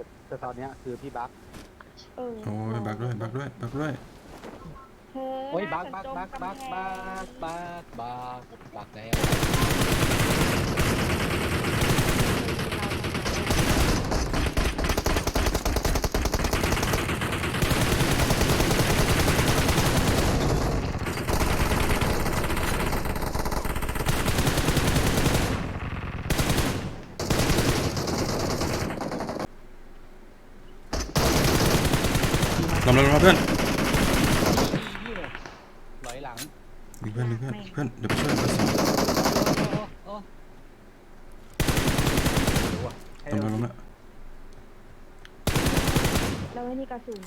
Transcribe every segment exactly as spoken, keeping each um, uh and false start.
แต่ตอนเนี้ยคือพี่บักเออโอ้ยบักด้วยบักด้วยบักด้วยเธอโอ้ยน่าบักจะบักจมบักบักกำแพบังกบักบักบักแล้วลงมาลงมาเพื่อนนี่เลยลอยหลังดึงเพื่อนดึงเพื่อนเพื่อนเดี๋ยวไปช่วยเบอร์สองโอ้โอ้ให้ลงเรามาลงมาเราไม่มีกระสุน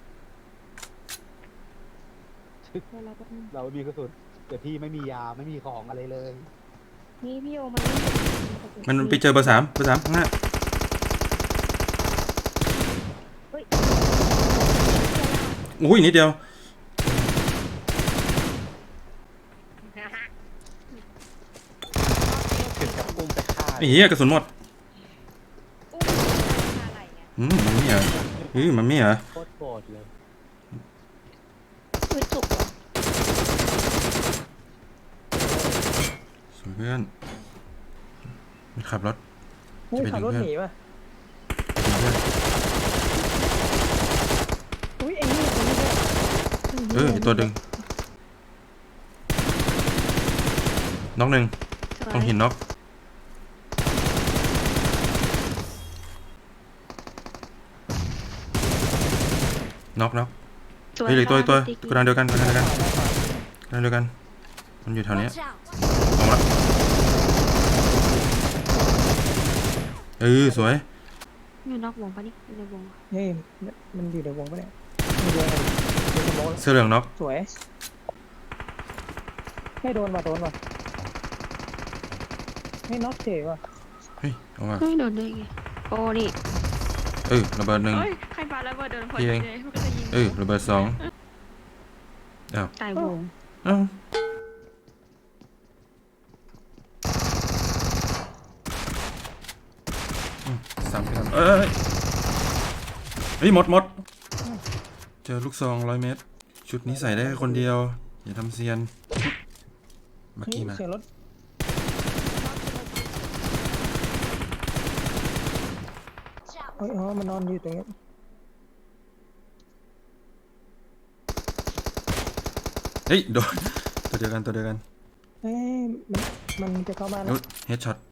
เวลาก็เรามีกระสุนแต่พี่ไม่มียาไม่มีของอะไรเลยนี่พี่โอมาเล่นกระสุมันไปเจอเบอร์สามเบอร์สามข้างหน้าเฮ้ยอุ้ยนิดเดียวถึงกับอุ้มไปฆ่าไอ้เหี้ยกระสุนหมดอุ้มอะไรไงอืมมันไม่เหรอเฮ้ยมันไม่เหรอโคตรโกรธเลยคือจุกเหรอสวยเพื่อนมันขับรถนี่ขับรถหนีป่ะเพื่อนอุ้ยไอ้นี่คนนี้ด้วยเออไอ้ตัวดึงน็อกหนึ่งต้องหินน็อกน็อกน็อกเฮ้ยเหลือตัวอีกตัวกระดานเดียวกันกระดานเดียวกันกระดานเดียวกันมันอยู่แถวเนี้ย Watch out! ลงละเออสวยอยู่นอกวงปะนี่อยู่ในวงเฮ้ยมันอยู่ในวงปะเนี่ยมีวงอะไรมีสมองเสื้อเหลืองน็อกสวยไม่โดนว่ะโดนว่ะไม่น็อกเฉยว่ะเฮ้ยเอามาเฮ้ยโดนได้ไงโอ้นี่เออระเบิดหนึ่งเฮ้ยใครปาระเบิดโดนคนพี่เองเลยมันก็จะยิงเออระเบิดสองอ้าวตายวงอ้าวอืมสามกันเอ้ยเฮ้ยหมดหมดเจอลูกซองร้อยเมตร ชุดนี้ใส่ได้แค่คนเดียว อย่าทำเซียนเมื่อเฮ้ยกี้มาเสียงรถเฮ้ยอ๋อมันนอนอยู่ตรงนี้เฮ้ยโดนตัวเดียวกันตัวเดียวกันเฮ้ยมันมันจะเข้ามาแล้วนุ๊ดเฮดช็อต